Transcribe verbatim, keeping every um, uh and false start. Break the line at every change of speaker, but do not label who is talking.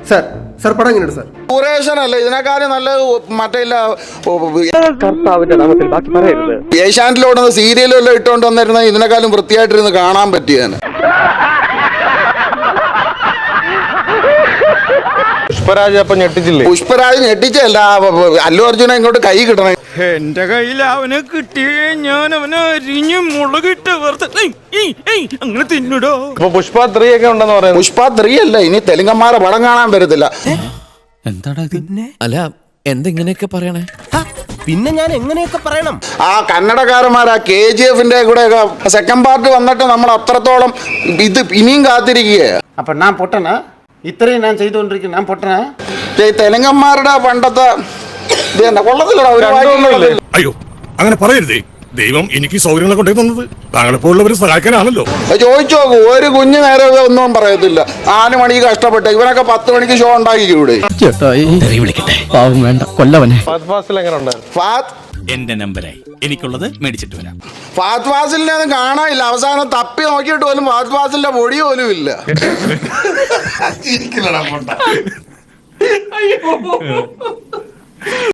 Sir sir പടം എങ്ങനെയുണ്ട് sir?
ഡ്യൂറേഷനല്ല ഇതിനെക്കാളും നല്ല മറ്റേ ഏഷ്യാനെറ്റിലോട്ട് സീരിയലെല്ലാം ഇട്ടുകൊണ്ട് വന്നിരുന്ന ഇതിനെക്കാളും വൃത്തിയായിട്ടിരുന്ന് കാണാൻ പറ്റിയാണ്.
പുഷ്പരാജ് അപ്പൊ ഞെട്ടിച്ചില്ലേ?
പുഷ്പരാജ് ഞെട്ടിച്ചല്ല, അല്ലു അർജുന ഇങ്ങോട്ട് കൈ കിട്ടണം.
എന്റെ കയ്യിൽ അവനെ കിട്ടിയേ ഞാൻ അവനെ അരിഞ്ഞ് മുളകിട്ട് അങ്ങനെ തിന്നിടോ.
അപ്പൊ പുഷ്പ ത്രീ ഒക്കെ ഉണ്ടെന്ന് പറയുന്നത്.
പുഷ്പ ത്രീ അല്ല, ഇനി തെലുങ്കന്മാരെ പടം കാണാൻ വരത്തില്ല.
എന്താടാ പിന്നെ? അല്ല എന്തെങ്ങനെയൊക്കെ പറയണേ?
പിന്നെ ഞാൻ എങ്ങനെയൊക്കെ പറയണം?
ആ കന്നഡക്കാരന്മാർ ആ കെ ജി എഫിന്റെ കൂടെ സെക്കൻഡ് പാർട്ട് വന്നിട്ട് നമ്മൾ അത്രത്തോളം ഇത് ഇനിയും കാത്തിരിക്കുകയാണ്.
അപ്പൊ ഞാൻ പൊട്ടനാ? ഇത്രയും ഞാൻ ചെയ്തുകൊണ്ടിരിക്കുന്നു, ഞാൻ പൊട്ടനാ?
തെലുങ്കന്മാരുടെ പണ്ടത്തെ ഇത് തന്നെ കൊള്ളത്തില്ലടാ ഒരു വായിക്കുന്നില്ല.
അയ്യോ അങ്ങനെ പറയരുതേ. ദൈവം എനിക്ക് സൗകര്യങ്ങളെ കൊണ്ടേ തന്നത് താങ്കളെപ്പോലുള്ളവരെ സഹായിക്കാനാണല്ലോ.
ചോദിച്ചു നോക്കൂ, ഒരു കുഞ്ഞു നേരെ ഒന്നും പറയത്തില്ല. നാല് മണിക്ക് കഷ്ടപ്പെട്ട് ഇവനൊക്കെ പത്ത് മണിക്ക് ഷോ ഉണ്ടാക്കിക്കൂടെ?
ഫഹദ് ഫാസിൽ എങ്ങനെ ഉണ്ടായിരുന്നു?
ഫാത്ത്
എന്റെ നമ്പരായി, എനിക്കുള്ളത് മേടിച്ചിട്ട് വരാം.
ഫാത്ത് ഫാസിലിനെ ഒന്നും കാണാനില്ല. അവസാനം തപ്പി നോക്കിയിട്ട് പോലും ഫാത്ത് ഫാസിലിന്റെ പൊടി പോലും ഇല്ല.